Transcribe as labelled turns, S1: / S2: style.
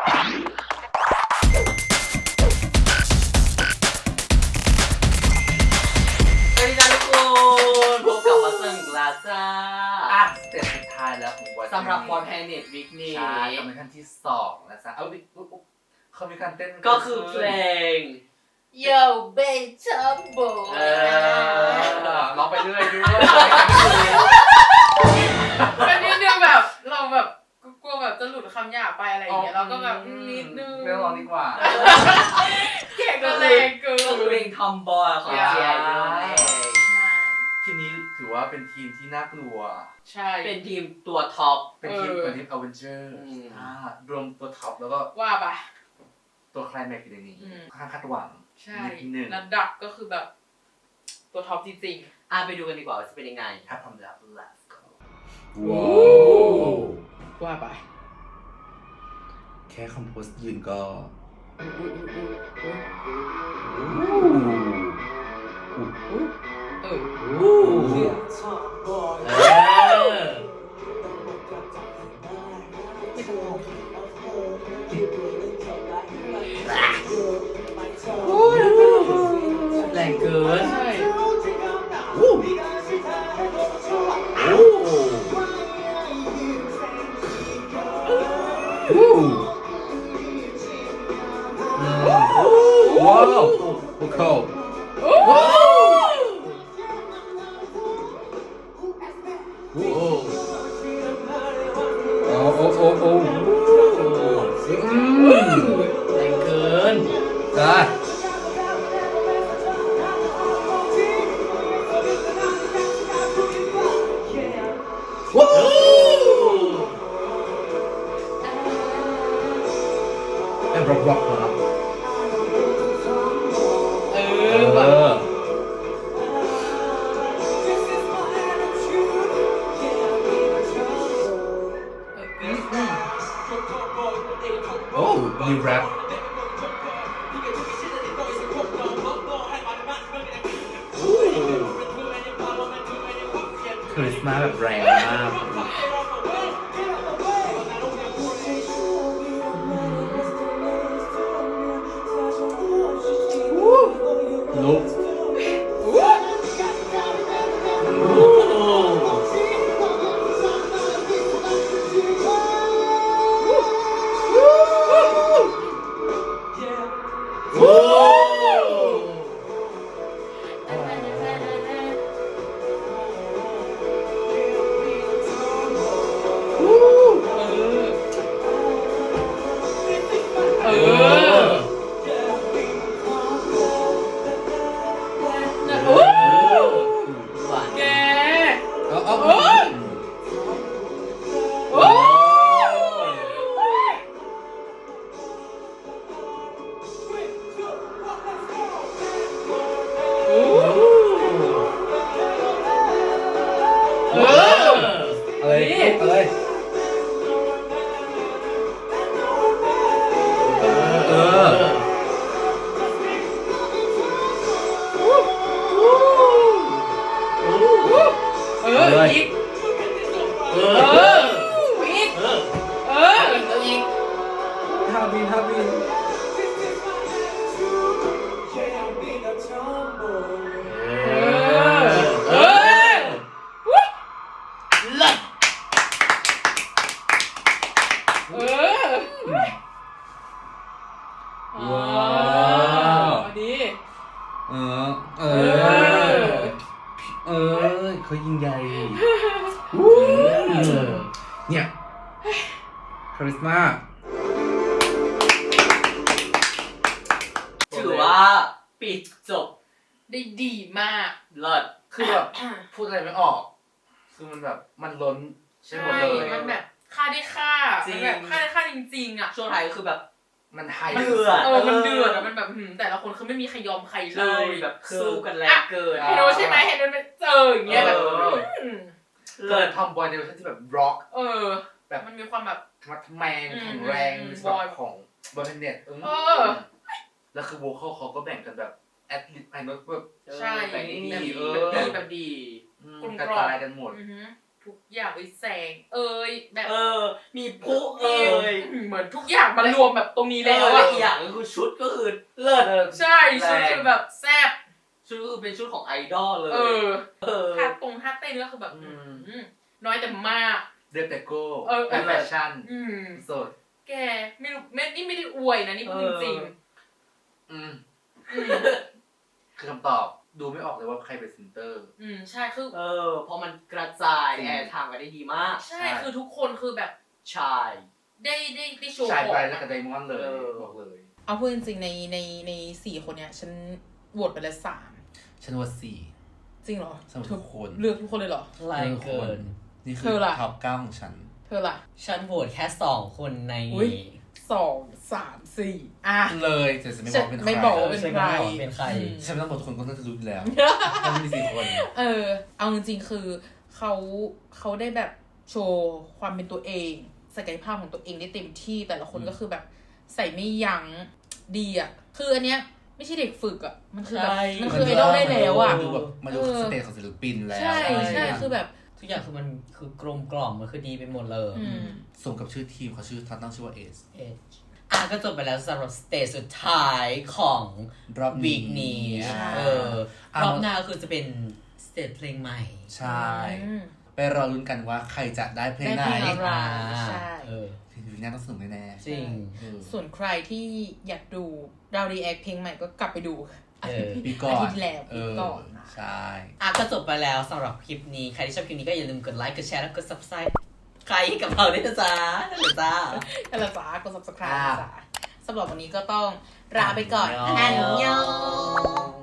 S1: สวัสดีจ้าทุกคนพบกับมาเซิงกลาจ้า
S2: สเตจสุดท้ายแล้วของวัน
S1: สำหรับวันแพนเน็ตวิกนี้
S2: ใช่กับมิชชั่นที่2นะจ๊ะเอาวิเขามีการเต้น
S1: ก็คือเพลง
S3: Yo Bejumbo
S2: ร้องไปเรื่อยด้วย
S3: เป็นนิดนึงแบบเราแบบกลัวแบบจะหลุดคำหยาบไปอะไรอย่างเงี้ยเราก็แบบนิดนึง
S2: ไม่ร้องดีกว่า
S3: เก่งก็เลยเกิ
S1: ก็คือเพลงทอมบอยของเจียนั่นเอง
S2: ทีมนี้ถือว่าเป็นทีมที่น่ากลัว
S3: ใช่
S1: เป็นทีมตัวท็อป
S2: เป็นทีมอเวนเจอร์รวมตัวท็อปแล้วก็
S3: ว่าปะ
S2: ตัวไคลแม็กซ์อยู่ในนี้ค่อนข้างคาดหวัง
S3: ใช่
S2: นิดนึง
S3: ระดับก็คือแบบตัวท็อปจริง
S1: ไปดูกันดีกว่าว่าจะเป็นยังไง
S2: ถ้าพร้อมแล้ว let's go
S4: ว้าว
S3: ๆว่าไป
S4: แค่คอมโพสยืนก็
S1: แรงเกิน
S3: ใช่
S4: ว้าวโอ้โหโอ้โหโอ้โอ้โอ้โอ้
S1: แรงเกิน
S4: จ้าว้าวเป็นร็อกนะครับ
S3: แบบ
S4: โอ้มีแรปคริสมาแบบแรงมากลุก
S1: หวาน
S3: แก
S4: เอาเอา อะไรอะไรเออ
S3: อีกอีกอีก
S4: ฮาบินฮาบิน
S1: เลิศ
S4: ว้าว
S3: ดี
S4: เออเออเขายิงใหญ่เนี่ยคาริสมา
S1: ถือว่าปิดจบ
S3: ได้ดีมาก
S1: เลิศ
S2: คือแบบพูดอะไรไม่ออก คือมันแบบมันล้นใช่หมดเลย
S3: มันแบบค่าได้ค่ามันแบบค่าได้ค่าจริงๆอ่ะ
S1: ช่วงท้ายก็คือแบบ
S2: มันไฮ
S1: เดือด
S3: มันเดือดมันแบบแต่ละคนคือไม่มีใครยอมใครเล
S1: ใช่
S3: ย
S1: แบบสู้กันแรงเกิน
S3: เห็นโดใช่ไหมเห็นโดเป็นเจออย่างเงี้ยแบบ
S2: เลิศทอมบอยในเวอร์ชันที่แบบร็อก
S3: แบบ มันมีความแบบ
S2: ธรรมะแมงแข็งแรงบอยของบอยเน็ตแล้วคือโวคอลเขาก็แบ่งกันแบบแอดลิปไอโนตแบบ
S3: ใช่
S2: แบ่งดี
S3: แบบดี
S2: กระจายกันหมด
S3: ทุทุกอย่างไปแสงแบบ
S1: มีพุเอ่ย
S3: เหมือนทุกอย่างมารวมแบบตรงนี้แล้ว
S1: และ
S3: อะ
S1: อีกอย่างก็คือชุดก็คือเลิศ
S3: ใช่ชุดคือแบบแซ่บ
S1: ชุดก็คือเป็นชุดของไอดอลเลย
S3: ท่าเต้นก็คือแบบน้อยแต่มาก
S2: เรียบแต่โก้
S3: เป็น
S2: แฟชั่นสด
S3: แกไม่รู้นี่ไม่ได้อวยนะนี่พูดจริง
S2: คือคำตอบดูไม่ออกเลยว่าใครเป็นเซนเตอร์
S3: ใช่คือ
S1: เพราะมันกระจายแอร์ทางกันได้ดีมาก
S3: ใช่คือทุกคนคือแบบ
S1: ชาย
S3: ได้โชว์
S2: ชาย
S3: ของ
S2: ไปแล้วกับไดมอนด์เลยบอกเลย
S3: เอาพูดจริงๆใน4 คนเนี้ยฉันโหวตไปแล้ว3
S2: ฉันว่า4
S3: จริงเหรอ
S2: สำหรับทุกคน
S3: เลือกทุกคนเลยเหรอ
S4: ไล่เกิน
S2: นี่
S3: เธ
S2: คือ
S3: อล่ะ
S2: ท็อป9ของฉัน
S3: เธอล่ะ
S4: ฉันโหวตแค่2 คนใน
S3: 2 3 4อ่ะ
S2: เลยแต่จะไม่บอกเป็นใคร
S3: ไม่บอกว่าเป็น
S4: ใช่ไหมเป็นใคร
S2: ฉันไม่ต้องบอกทุกคนก็น่าจะรู้อยู่แล้วมันมี4 คน
S3: เอาจริงๆคือเขาได้แบบโชว์ความเป็นตัวเองศักยภาพของตัวเองได้เต็มที่แต่ละคนก็คือแบบใส่ไม่ยั้งดีอ่ะคืออันเนี้ยไม่ใช่เด็กฝึกอ่ะมันคือแบบมันคือไอดอลได้แล้วอ่ะ
S2: มาดูแบบมาดูสเตจของศิลปินแล้ว
S3: ใช่คือแบบ
S4: ทุกอย่างคือมันคือกลมกล่อมมันคือดีไปหมดเลย
S2: สมกับชื่อทีมเขาตั้งชื่อว่าเอส
S4: ก็จบไปแล้วสำหรับสเตจสุดท้ายของ
S2: รอบ
S4: วีคนี้
S3: ใช่
S4: รอบหน้าคือจะเป็นสเตจเพลงใหม่
S2: ใช่ไปรอลุ้นกันว่าใครจะได้เพลงไหน
S3: ได้เพลงอะไร ใช่
S2: ทีนี้น่าต้องสนุกแน่ๆ
S4: จริง
S3: ส่วนใครที่อยากดูเรารีแอคเพลงใหม่ก็กลับไปดู
S2: ปีก่อน
S3: อาทิตย์ที่แล้วปีก่อนนะ
S2: ใช่
S4: ก็จบไปแล้วสำหรับคลิปนี้ใครที่ชอบคลิปนี้ก็อย่าลืมกดไลค์กดแชร์และกด subscribe ใครกับเราด้วยนะจ๊ะนั่นแหละจ้า
S3: นั่นแหละจ้ากด subscribe จ้าสำหรับวันนี้ก็ต้องลาไปก่อน อันยอง